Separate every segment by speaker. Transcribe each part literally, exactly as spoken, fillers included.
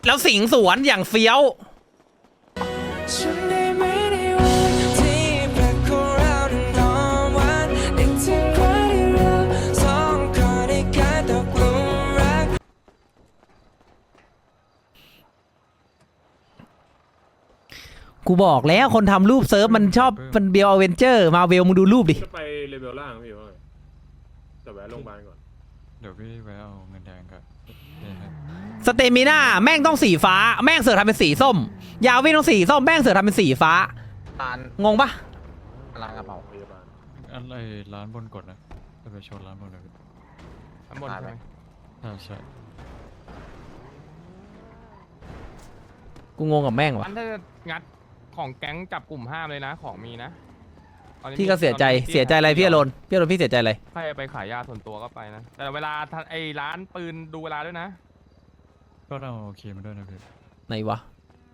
Speaker 1: แล้วสิงสวนอย่างเฟี้ยวกูบอกแล้วคนทำรูปเซิร์ฟมันชอบมันเบลอเวนเจอร์มาเวลมึงดูรูปดิ
Speaker 2: จะไปเลเวลล่างพี่ว่าแต่แวะโรงพยาบาลก่อน
Speaker 3: เดี๋ยวพี่แวะเอาเงินแดงก่อน
Speaker 1: สเตมิน่าแม่งต้องสีฟ้าแม่งเสือกทำเป็นสีส้มยาวิ่งต้องสีส้มแม่งเสือกทำเป็นสีฟ้างงปะ
Speaker 4: ร้านกระเป๋า
Speaker 2: พยาบาล
Speaker 3: อะไรร้านบนกดนะจะไปชนร้านบนเลย
Speaker 4: ร้านบนใช่ไหม
Speaker 3: ใช่ใช่
Speaker 1: กูงงกับแม่งวะ
Speaker 5: ถ้างัดของแก๊งจับกลุ่มห้ามเลยนะของมีนะ
Speaker 1: พี่ก็เสียใจเสียใจอะไรพี่อรนพี่อรนพี่เสียใจอะไร
Speaker 5: ใครไปขายยาส่วนตัวก็ไปนะแต่เวลาไอ้ร้านปืนดูเวลาด้วยนะ
Speaker 3: ก็เอาโอเคมาด้วยนะพี่
Speaker 1: ไหนวะ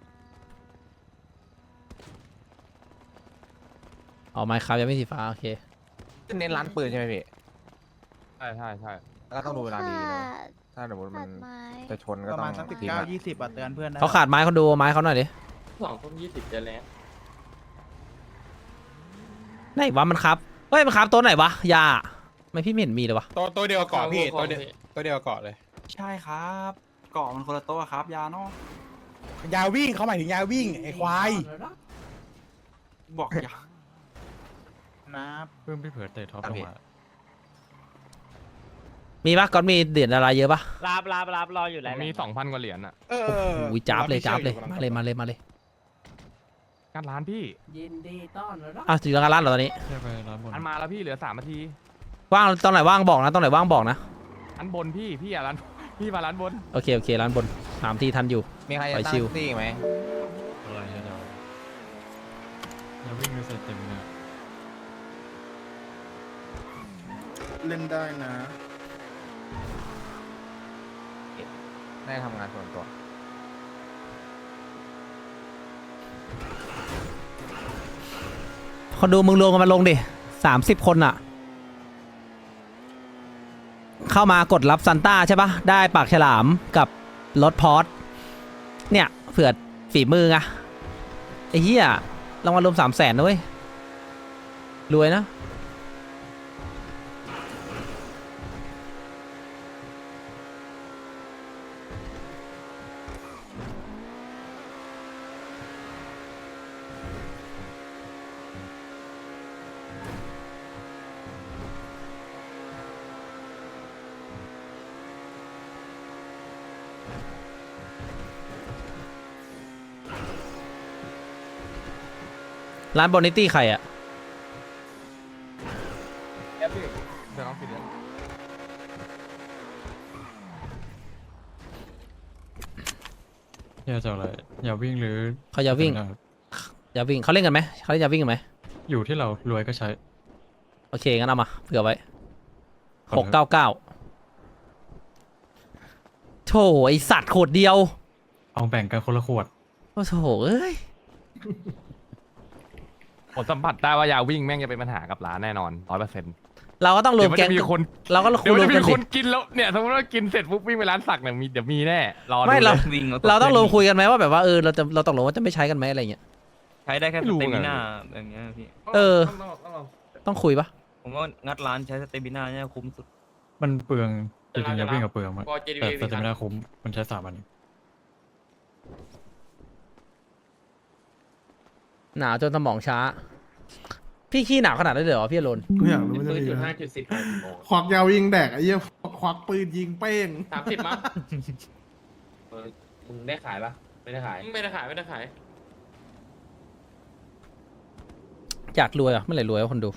Speaker 1: เอาไม้ครับยังไม่สีฟ้าโอเค
Speaker 4: เน้นร้านปืนใช่ไหมพี่
Speaker 5: ใช่ใช่ใช่
Speaker 4: แล้วต้องดูเวลาดีนะถ้าสมมติมันจะชนก็ต้องประมาณสักสิบเก้ายี่สิบ
Speaker 6: เตือนเพื่อน
Speaker 1: เขาขาดไม้เขาดูไม้เขาหน่อยดิ
Speaker 5: สองทุ่มยี่สิบจะแล้ว
Speaker 1: ไหนวะมันครับเฮ้ยมันครับตัวไหนวะยาไม่พี่ไม่เห็นมีเลยวะ
Speaker 7: ตัวตัวเดียวเกาะพี่ตัวเดียวตัวเดียวเกาะเลย
Speaker 6: ใช่ครับเกาะมันคนละตัวครับยาเนาะ
Speaker 7: ยาวิ่งเขาหมายถึงยาวิ่งไอ้ควาย
Speaker 6: บอกยานะ
Speaker 3: เพิ่มพี่เผื่อเตะท็อปลงมา
Speaker 1: มีปะก่อนมีเหรียญอะไรเยอะปะ
Speaker 8: ลาบลาบลาบรออยู่แล้ว
Speaker 5: มีสองพันกว่าเหรียญอ่ะ
Speaker 7: เออ
Speaker 1: อุ้ยจับเลยจับเลยมาเลยมาเลยมาเลย
Speaker 5: การร้านพี่
Speaker 8: ยินดีต้อนรับ
Speaker 1: อ่ะถึงร้านเหรอตอนนี้
Speaker 3: ใช่ไปร้านบน
Speaker 5: อันมาแล้วพี่เหลือสามนาที
Speaker 1: ว่างตอนไหนว่างบอกนะตอนไหนว่างบอกนะ
Speaker 5: อันบนพี่พี่อ่ะร้านพี่มาร้านบน
Speaker 1: โอเคโอเคร้านบนสามทีทันอยู่
Speaker 4: มีใครจะตั้งตี้ไหม
Speaker 3: อะไรเดี๋ยวอย่าวิ่งไปเสร็จเต็มเลย
Speaker 6: เล่นได้นะ
Speaker 4: ได้ทำงานส่วนตัว
Speaker 1: คนดูมึงรวมกันมาลงดิสามสิบคนอะเข้ามากดรับซันต้าใช่ปะได้ปากฉลามกับรถพอร์ตเนี่ยเผื่อฝีมือไงไอ้เหี้ยรางวัลรวมสามแสนนะเว้ยรวยนะร้านบอนิตี้ใครอะ
Speaker 5: เดี๋ยวน้องปิดเลย
Speaker 3: อย่าจะอะไรอย่าวิ่งหรือ
Speaker 1: เขาจะวิ่งอย่าวิ่งเขาเล่นกันไหมเขาเล่นจะวิ่งกันไหม
Speaker 3: อยู่ที่เรารวยก็ใช้
Speaker 1: โอเคงั้นเอามาเผื่อไว้หกเก้าเก้าโถไอสัตว์ขวดเดียว
Speaker 3: เอาแบ่งกันคนละขวด
Speaker 1: โอ้โถเอ้ย
Speaker 5: ผมสัมผัสได้ว่ายาวิ่งแม่งจะเป็นปัญหากับร้านแน่นอนร้อยเปอร์เซ็นต์
Speaker 1: เราก็ต้องรวมแก๊ง
Speaker 5: มีคน
Speaker 1: เราก็
Speaker 5: เดี๋ยวจะมีคน
Speaker 1: กิ
Speaker 5: นแล้วเนี่ยสมมติว่ากินเสร็จปุ๊บวิ่งไปร้านสักเนี่ยมีเดี๋ยวมีแน่รอ
Speaker 1: ไม่เราเราต้องรวมคุยกันไหมว่าแบบว่าเออเราจะเราตกลงว่าจะไม่ใช้กันไหมอะไรเงี้ย
Speaker 8: ใช้ได้แค่สเตมิน่าอย่างเงี้ยพี่
Speaker 1: เออต้องคุยปะ
Speaker 8: ผมว่างัดร้านใช้สเตมิน่าเนี่ยคุ้มสุด
Speaker 3: มันเปลืองจริงๆอย่าวิ่งกับเปลืองมันแต่สเตมิน่าคุ้มมันใช้สามอัน
Speaker 1: หนาวจนสมองช้าพี่ขี้หนาวขนาดนั้นเลยเหรอพี่อรน
Speaker 6: ไม่อยากรู้ว่าจะดีนะควักยาวยิงแดกไอ้เหี้ยควักปืนยิงเป้ง
Speaker 5: สามสิบมั้ง
Speaker 8: มึงได้ขายปะไม่ได้ขาย
Speaker 5: ไม่ได้ขายไม่ได้ขาย
Speaker 1: อยากรวยอ่ะเมื่อไหร่รวยวะคนดู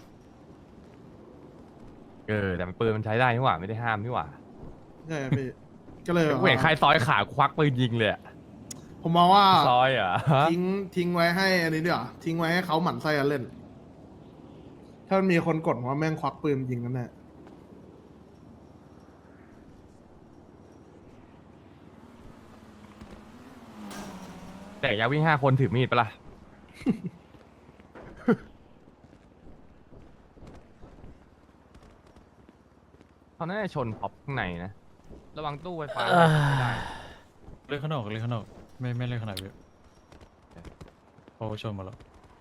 Speaker 5: เออแต่ปืนมันใช้ได้นี่หว่าไม่ได้ห้ามนี่หว่า
Speaker 6: ใช่พี่ก็เลย
Speaker 5: เห็นใครซอยขาควักปืนยิงเลย
Speaker 6: ผมมองว่า
Speaker 5: ซอยอ่ะ
Speaker 6: ทิ้งทิ้งไว้ให้อันนี้เดี๋ยวทิ้งไว้ให้เขาหมั่นไส้กันเล่นถ้ามันมีคนกดว่าแม่งควักปืนยิงกันแน่
Speaker 5: แต่ยาวิ่งห้าคนถือมีดปะล่ะ เขาน่าจะชนพ็อปข้างในนะระวังตู้ไฟฟ้าไม่ได้
Speaker 3: เล่นข้างนอกเล่นข้างนอกไม่ไม่เล่นข้างในพี่โอ้ชนมาแล้ว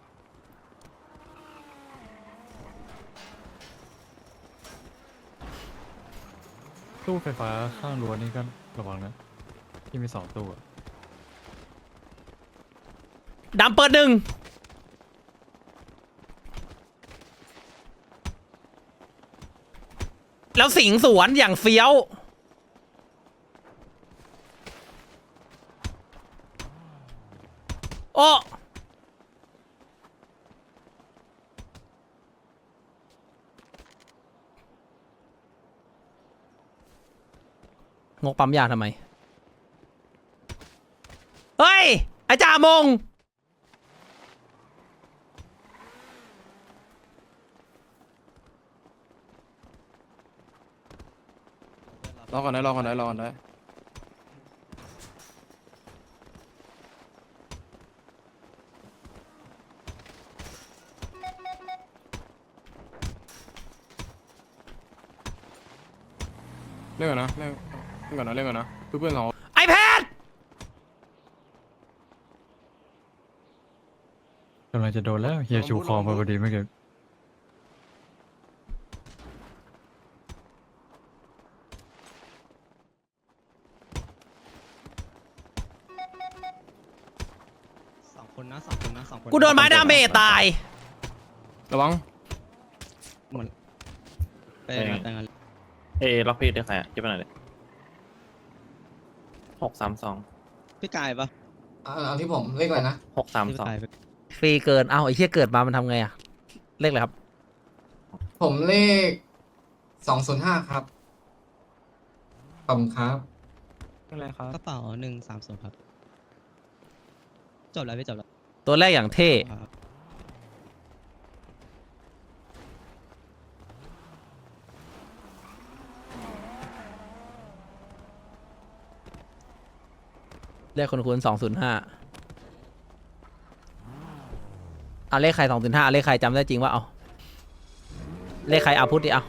Speaker 3: ตู้ไฟฟ้าข้างรั้วนี่ก็ระวังนะที่มีสองตู้อะ
Speaker 1: ดำเปิดหนึ่งแล้วสิงสวนอย่างเฟี้ยวโอ้งกปั๊มยาทำไม เฮ้ย ไอ้จ่ามง
Speaker 9: รอก่อนได้รอก่อนได้รอก่อนได้เล่นก่อนนะเล่นเล่นก่อนนะเล่นก่อนนะเพื่อนๆเรา
Speaker 1: ไอแพด
Speaker 3: กำลังจะโดนแล้วเฮียชูคอมาพอดีเมื่อกี้
Speaker 10: สองคนนะสองคนนะสองคน
Speaker 1: กูโดนไม้ดาเมจตาย
Speaker 9: ระวัง
Speaker 10: ไปกันไปกัน
Speaker 8: เอล็อกพี่ได้ใครอ่ะเก็บไปหน่อยเลยหกสามสอง
Speaker 10: พี่กายปะ
Speaker 11: เอาที่ผมเลขอะไรนะ
Speaker 8: หกสาม
Speaker 10: พี่
Speaker 8: สอง
Speaker 10: กาย
Speaker 1: ฟรีเกิน เอ้าไอ้เหี้ยเกิดมามันทำไงอะเลขอะไรครับ
Speaker 11: ผมเลขสองศูนย์ห้าครับขอบคุณครับ
Speaker 8: อะไรครับ
Speaker 10: กระเป๋าหนึ่งสามศูนย์ครับจบแล้วพี่จบแล้ว
Speaker 1: ตัวแรกอย่างเท่
Speaker 10: ครับ
Speaker 1: เลขคนคูณสองศูนย์ห้าเอาเลขใครสองศูนย์ห้าเลขใครจำได้จริงว่าเอาเลขใครเอาพุทธดิเอา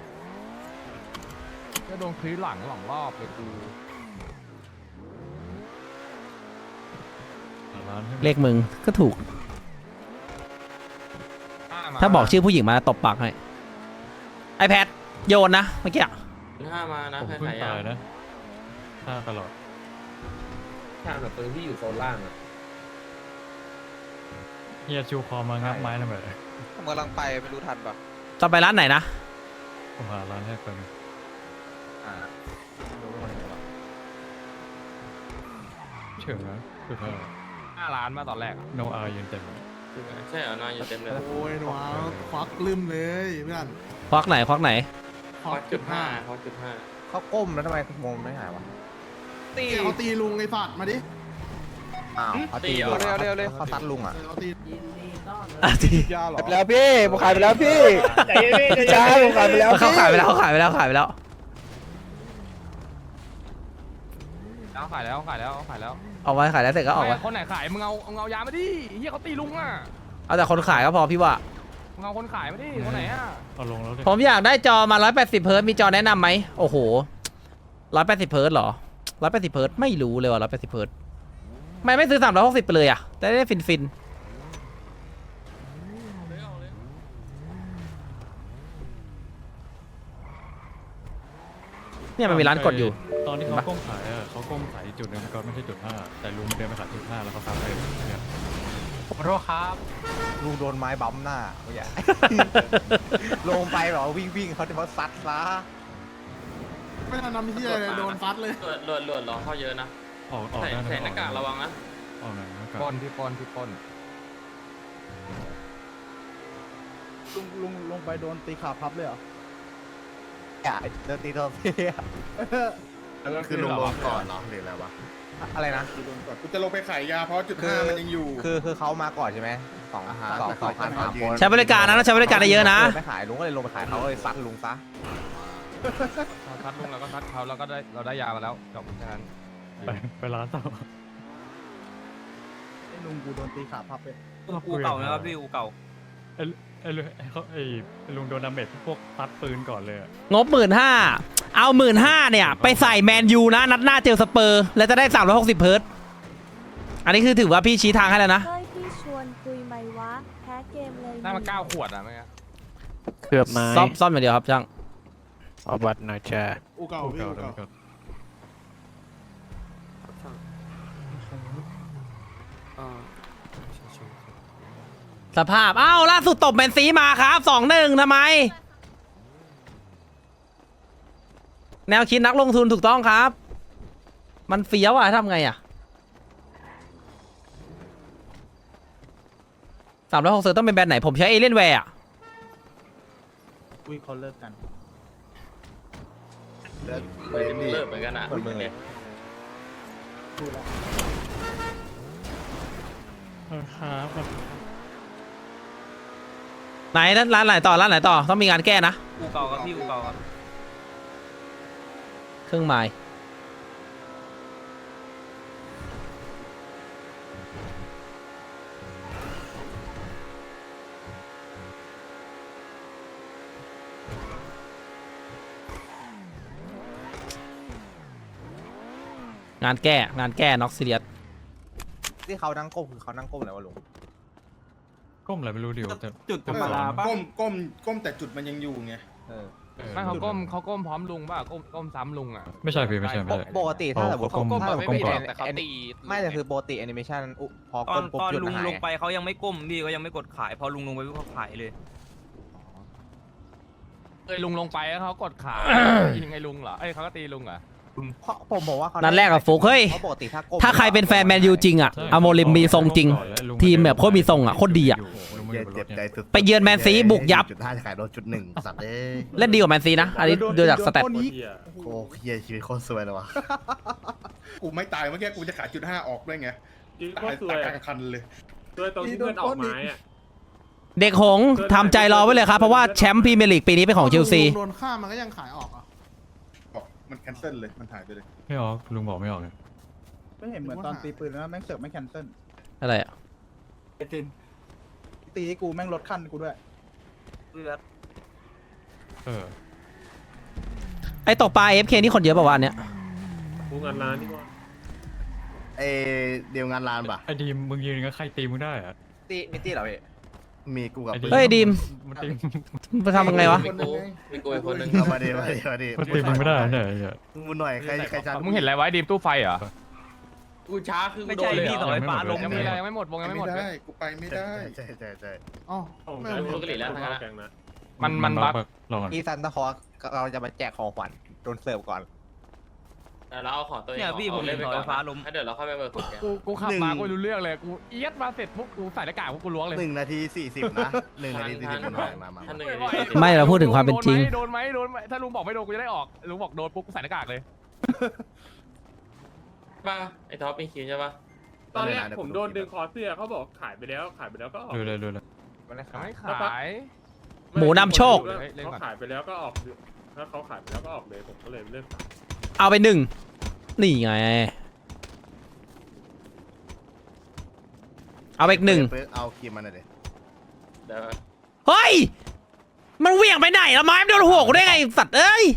Speaker 5: ก็โดนคลีหลังหลังรอบเลยกู
Speaker 3: ร้านให้
Speaker 1: เลขมึงก็ถูก ถ้าบอกชื่อผู้หญิงมาตบปากให้ไอแพดโยนนะเมื่อกี้อะ
Speaker 8: ห้ามานะ
Speaker 3: ผมเพิ่งตายนะฆ่าตลอด
Speaker 2: ทางแบบปืนที่อยู่โซนล่างอะ
Speaker 3: เฮียชูคอมางับไม้ทำไม
Speaker 4: ผมกำลังไปไม่รู้ทันปะ
Speaker 1: จะไปร้านไหนนะ
Speaker 3: ผมหาร้านให้คนง
Speaker 4: อ่ารู้ว่าคนไหนวะ
Speaker 3: เฉิงนะคือเธอ
Speaker 5: ห้าล้านมาตอนแรกอะ
Speaker 3: โนอายืนเต็มเลย
Speaker 8: ใช่เหรอนอนอยู่เต็มเลย
Speaker 6: โอ้ยหนูควักลืมเลยเพื่อน
Speaker 1: ควักไหนควักไหน
Speaker 8: ฮอตจุดห้าฮอตจุดห้า
Speaker 4: เขาก้มแล้วทำไมโมงไม่หายวะ
Speaker 6: ตีเขาตีลุงไอ้สัตว์มาดิ
Speaker 4: อ้าวเขาตี
Speaker 8: ตีเหรอ
Speaker 4: เร็วเร็วเร็วเขาซัดลุงอ่ะ
Speaker 6: เออเขาตี
Speaker 1: อ่ะที
Speaker 7: ยาหรอ
Speaker 4: ไปแล้วพี่ผมขายไปแล้วพี่จ้าผมขายไปแล้ว
Speaker 1: เขาขายไปแล้วเขาขายไปแล้วขายไปแล้ว
Speaker 5: แล้วขายแล้วขายแล้วขายแล้ว
Speaker 1: เอาไว้ขายแล้วเสร็จก็ออก
Speaker 5: ไม่
Speaker 1: ไว้
Speaker 5: คนไหนขายมึงเอามึงเอายามาดิเฮียเขาตีลุงอ่ะ
Speaker 1: เอาแต่คนขายก็พอพี่ว่า
Speaker 5: มึงเอาคนขายมาดิคนไหนอ่ะ
Speaker 3: เอาลงแล้วดิ
Speaker 1: ผมอยากได้จอมาร้อยแปดสิบเฮิร์ตซ์มีจอแนะนำไหมโอ้โหร้อยแปดสิบเฮิร์ตซ์เหรอร้อยแปดสิบเฮิร์ตซ์ไม่รู้เลยว่าร้อยแปดสิบเฮิร์ตซ์ทำไมไม่ซื้อสามร้อยหกสิบไปเลยอ่ะจะได้ฟินฟินเนี่ยมันมีร้านกดอยู่
Speaker 3: ตอนที่เขาก้มขายอ่ะเขาก้มขายจุดหนึงก็ไม่ใช่จุดห้าแต่ลุงเดินไปขายจุดห้าแล้วเขาซับไปเนี่ย
Speaker 5: ขอโทษครับ
Speaker 4: ลุงโดนไม้บั๊มหน้าเขาอย่า ลงไปเหรอวิ่งวิ่งเขาจะมาซัดซะ
Speaker 6: ไม่ทันทำที่อะไรเลยโดนฟัดเลย
Speaker 8: หลวดหลวดหลวดรอเข้าเยอะนะ
Speaker 3: ออกออก
Speaker 8: ใส่
Speaker 3: ได้นะ
Speaker 8: ใส่หน้ากากระวังนะ
Speaker 3: ออกหน่อยหน้ากาก
Speaker 5: ปนพี่ปนพี่ปน
Speaker 7: ลุงลุงลงไปโดนตีขาพับเลยเหรอ
Speaker 4: อย่าเดินตีโดนพี่
Speaker 2: คือลงรถก่อนเหรอหรืออะไรวะ
Speaker 4: อะไรนะ
Speaker 6: กูจะลงไปขายยาเพราะจุดห้ามันยังอยู่
Speaker 4: คือคือเขามาก่อนใช่ไหมสองสองสองพันสามคน
Speaker 1: ใช้บริการนะต้องใช้บริการได้เยอะนะ
Speaker 4: ไม่ขายลุงก็เลยลงไปขายเขาเลยซัดลุงซะ
Speaker 5: ซัดลุงแล้วก็ซัดเขาแล้วก็ได้เราได้ยามาแล้วจบแค่นั้น
Speaker 3: ไปไปร้านต่อ
Speaker 7: ไอ้ลุงกูโดนตีขาพับเลย
Speaker 8: อูเก่านะครับพี่อูเก่า
Speaker 3: ไอ้ไอ้ลุงไอ้เขาไอ้ไอ้ลุงโดนดาเมจพวกตัดปืนก่อนเลยอะ
Speaker 1: งบหมื่นห้าเอาหมื่นห้าเนี่ย ไปใส่แมนยูนะ นัดหน้าเจอสเปอร์ แล้วจะได้สามร้อยหกสิบเฮิร์ตซ์อันนี้คือถือว่าพี่ชี้ทางให้แล้วนะ
Speaker 12: เฮ้ยพี่ชวนคุยไหมวะ แพ้เกมเลย
Speaker 5: ได้มาเก้าขวดอ่ะเมื่อกี้
Speaker 9: เกือบไม้
Speaker 1: ซ่อมซ่อมอย่างเดียวครับช่าง
Speaker 9: เอาบัตรหน่อยจ้า
Speaker 6: อูเก่า
Speaker 3: โอ้
Speaker 6: พี่
Speaker 3: เก่า
Speaker 6: อู
Speaker 3: เก่า
Speaker 6: เก่า
Speaker 1: สภาพ อ้าว ล่าสุดตบแมนซีมาครับสองหนึ่งทำไม แนวคิดนักลงทุนถูกต้องครับ มันเฟี้ยวอะทำไงอะสามร้อยหกสิบต้องเป็นแบรนด์ไหน ผมใช้เอเลียนแวร์อะ
Speaker 7: อุ้ยเขาเลิกกัน
Speaker 8: เลิกเหมือนกันอ่ะ
Speaker 3: ครับ
Speaker 1: ไหนร้านไหนต่อ ร้านไหนต่อ ต้องมีงานแก้นะ
Speaker 8: อูเก่าครับพี่อูเก่าครับ
Speaker 1: เครื่องหมายงานแก้ งานแก้น็อกซิเลียส
Speaker 4: ที่เขานั่งก้มคือเขานั่งก้มอะไรวะลุง
Speaker 3: ก้มอะไรไม่รู้เดี๋ยวจะ
Speaker 7: จุดธรรมดาปะ
Speaker 6: ก้มก้มก้มแต่จุดมันยังอยู่ไง
Speaker 4: เออ
Speaker 3: เออ
Speaker 5: ไม่เขาก้มเขาก้มพร้อมลุงป่ะก้มก้มซ้ำลุงอ่ะ
Speaker 3: ไม่ใช่พี่ไม่ใช่ไม่ใช่
Speaker 4: ปกติถ้าสมมติ
Speaker 3: เขาก้ม
Speaker 4: ถ้าสมมติ
Speaker 3: ก้มก่อน
Speaker 8: แต่เขาตี
Speaker 4: ไม่แต่คือปกติแอนิเมชันอุพอ
Speaker 8: ตอ
Speaker 4: ก้
Speaker 8: น
Speaker 4: มปุ๊บ
Speaker 8: ตอน
Speaker 4: จุด
Speaker 8: ลุง
Speaker 4: หาย
Speaker 8: ลงไปเขายังไม่ก้มพี่ก็ยังไม่กดขายพอลุงลงไปปุ๊บเขาขายเลย
Speaker 5: เอ้ยลุงลงไปแล้วเขากดขา ยิงไอ้ลุงเหรอเอ้ยเขาก็ตีลุงเหรอ
Speaker 4: เพราะผมบอกว่าเขา
Speaker 1: นัดแรกกับฟุกเฮ้ย
Speaker 4: เพราะปกติถ้าก้ม
Speaker 1: ถ้าใครเป็นแฟนแมนยูจริงอะ
Speaker 3: ใช่
Speaker 1: อโมริมมีทรงจริง ทีมแบบโคตรมีทรงอะโคตรดีอะ
Speaker 3: ลุงไม่อยู่บนรถเนี่ย
Speaker 1: ไปเยือนแมนซีบุกยับ
Speaker 6: จุดห้าจะขายรถจุดหนึ่งสัตว์เอ้ย
Speaker 1: เล่นดีกว่าแมนซีนะ อันนี้ดูจากสเตต
Speaker 2: โคตรเหี้ย
Speaker 6: โอ้เฮียชีวิตโคตรสวยเลยวะ กูไม่ตายเมื่อกี้กูจะขายจุดห้าออกด้วยไง
Speaker 2: จริงโค
Speaker 6: ตาย
Speaker 2: ตรสวย
Speaker 6: ตายกลางคันเลย
Speaker 2: สวยตรงที่เพื่อนออกไม้อะ
Speaker 1: เด็กหงส์ทำใจรอไว้เลยครับ เพราะว่าแชมป์พรีเมียร์ลีกปีนี้เป็นของเชลซี
Speaker 6: โดนฆ่ามันก็ยังขายออกอ่ะมันแคนเซิลเลยมันหายไปเลย
Speaker 3: ไม่ออกลุงบอกไม่ออกไง
Speaker 7: ไม่เห็นเหมือนตอนตีปืนแล้วแม่งเสือกไม่แคนเซิล
Speaker 1: อะไรอะ
Speaker 7: ตีให้กูแม่งลดขั้นกูด้วย
Speaker 3: เออ
Speaker 1: ไอตกปลา เอฟ เค นี่คนเยอะป่าววะอันเนี้ย
Speaker 2: กูงานร้านนี่ว่า
Speaker 6: เอเดียวงานร้านป่ะ
Speaker 3: ไอ้ดีมมึงยืนก็ใครตีมึงได้อะ
Speaker 4: ตีมิตี้เหรอพี่
Speaker 6: มีกูกับ
Speaker 3: ไอ้
Speaker 1: เฮ้ยดีม
Speaker 3: มันตี
Speaker 1: ไปทำยังไงวะ
Speaker 8: มีกูมีกูอีกคนนึง
Speaker 6: เอามาดีมาดีมาดี
Speaker 3: มันตีมึงไม่ได้เนี่ยไอ้เหี้ย
Speaker 6: มึงหน่อยใครใครจะ
Speaker 5: มึงเห็นอะไรไว้ดีมตู้ไฟเหรอ
Speaker 8: กูช้าคือ
Speaker 5: ไม่
Speaker 8: โด
Speaker 5: ใช่
Speaker 8: นเลย
Speaker 5: พี่
Speaker 8: เหร
Speaker 5: ต่อ
Speaker 8: อ
Speaker 5: ไฟฟ้าลง
Speaker 3: ยั
Speaker 5: ยัง
Speaker 3: งไม่
Speaker 5: ไม่
Speaker 3: ได้
Speaker 5: ยังไม่หมดวงยังไม่หมด
Speaker 6: ไม่ได้กูไปไม่ได้
Speaker 2: ใช่ใช่ใช่
Speaker 6: อ๋อ
Speaker 2: ผม
Speaker 6: ไม่
Speaker 2: ใช้
Speaker 6: เอา
Speaker 2: ลูกกะหรี่แล้วทั้งนั้นแกงนะ
Speaker 5: มันมันบัก
Speaker 3: ลองก่อน
Speaker 4: อีซันตะคอเราจะมาแจกของขวัญโดนเสิร์ฟก่อน
Speaker 8: แต่เราเอาของตัวเอง
Speaker 5: เนี่ยพี่ผมเห็น
Speaker 8: เล่น
Speaker 5: เสาไฟฟ้าล้ม
Speaker 8: ถ้าเดี๋ยวเราเข้าไปเปิดสุดแก
Speaker 5: กูกูขับมากูไม่รู้เรื่องเลยกูเอียดมาเสร็จปุ๊บกูใส่หน้ากากปุ๊บกูล้วงเลย
Speaker 6: หนึ่งนาทีสี่สิบนะหนึ่งนาทีสี่สิบมามามา
Speaker 8: ท่านหนึ่ง
Speaker 1: ไม่เราพูดถึงความเป็นจริง
Speaker 5: โดนไหมโดนไหมถ้าลุงบอกไม่โดนกูจะได้ออกลุงบอกโดนปุ๊บกูใส่หน้ากากเลย
Speaker 8: ป่ะไอ้ท็อปมีคิวใช่ป่ะ
Speaker 2: ตอนแรกผมโดนดึงคอเสื้อเขาบอกขายไปแล้วขายไปแล้วก็ออก
Speaker 3: ดูเลยดูเลย
Speaker 4: มันเลย
Speaker 5: ยังไม่ขาย
Speaker 1: หมูนำโชค
Speaker 2: เขาขายไปแล้วก็ออกถ้าเขาขายไปแล้วก็ออกเลยผมก็เลยเลิกขาย
Speaker 1: เอาไปหนึ่ง นี่ไง เอาไปอีกหนึ่ง
Speaker 6: เอาครีมมาหน่อยดิ
Speaker 8: เดี๋ยว
Speaker 1: เฮ้ย มันเหวี่ยงไปไหนละไม้มันโดนหัวกูได้ไงสัตว์เอ้ย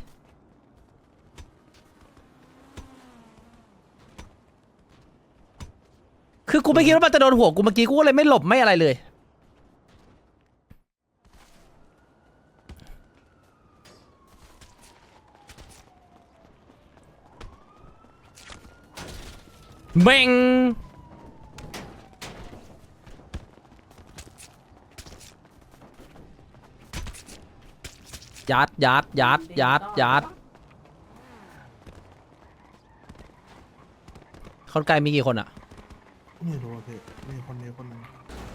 Speaker 1: คือกูไม่คิดว่ามันจะโดนหัวกูเมื่อกี้กูก็เลยไม่หลบไม่อะไรเลย เบ่งยัดยัดยัดยัดยัดคนไกลมีกี่คนอะ
Speaker 6: ไม่รู้อะพี่มีคนนี้คนนึง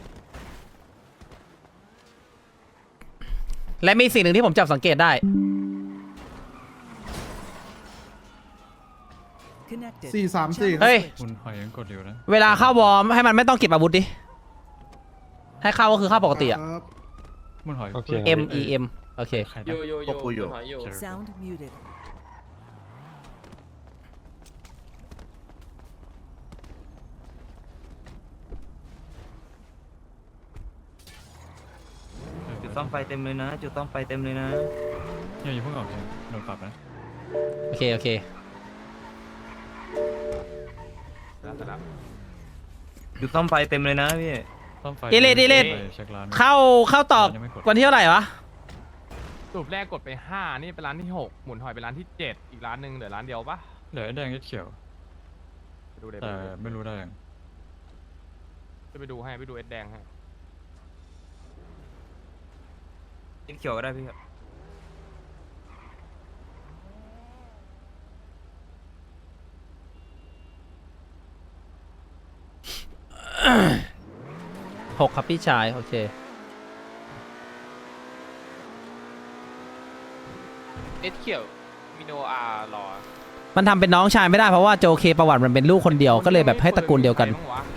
Speaker 1: และมีสิ่งหนึ่งที่ผมจับสังเกตได้
Speaker 6: สี่สามสี่
Speaker 1: เฮ้ย
Speaker 3: คุณหอยยังกดอยู่นะ
Speaker 1: เวลาเข้าวอร์มให้มันไม่ต้องเก็บอาวุธดิ ให้เข้าก็คือเข้าปกติอะ
Speaker 3: มันหอย
Speaker 1: M E M โอเค
Speaker 3: ใคร
Speaker 8: โย
Speaker 3: นะ
Speaker 8: โยโยอยู่หอยอยู่
Speaker 12: Sound muted
Speaker 8: จุดซ่อมไฟเต็มเลยนะ จุดซ่อมไฟเต็มเลยนะ
Speaker 3: เนี่ยอย่าเพิ่งออกเลยโดนปรับนะ
Speaker 1: โอเคโอเค
Speaker 5: แล้วแต่ละ
Speaker 8: อยู่ซ่อมไฟเต็มเลยนะพี่
Speaker 3: ซ่อมไฟ
Speaker 1: อีเลดอีเลด
Speaker 3: ไปเช็คร้าน
Speaker 1: เข้าเข้าตอก
Speaker 3: ยังไม่กด
Speaker 1: วันที่เท่าไหร่วะ
Speaker 5: สรุปแรกกดไปห้านี่เป็นร้านที่หกหมุนหอยเป็นร้านที่เจ็ดอีกร้านหนึ่งเหลือร้านเดียวปะ
Speaker 3: เหลือไอ้แดงกับเขียว
Speaker 5: ไปดูเด
Speaker 3: แต่ไม่รู้ได้ยัง
Speaker 5: จะไปดูให้ไปดูเอ็ดแดงให้
Speaker 8: เขียวก็ได้พี่ครับ
Speaker 1: หกครับพี่ชายโอเค
Speaker 5: เอ็ดเขียวมิโนอาร์รอ
Speaker 1: มันทำเป็นน้องชายไม่ได้เพราะว่าโจเคประวัติมันเป็นลูกคนเดียวก็เลยแบบให้ตระกูลเดียวกัน
Speaker 5: ใครบ้างวะ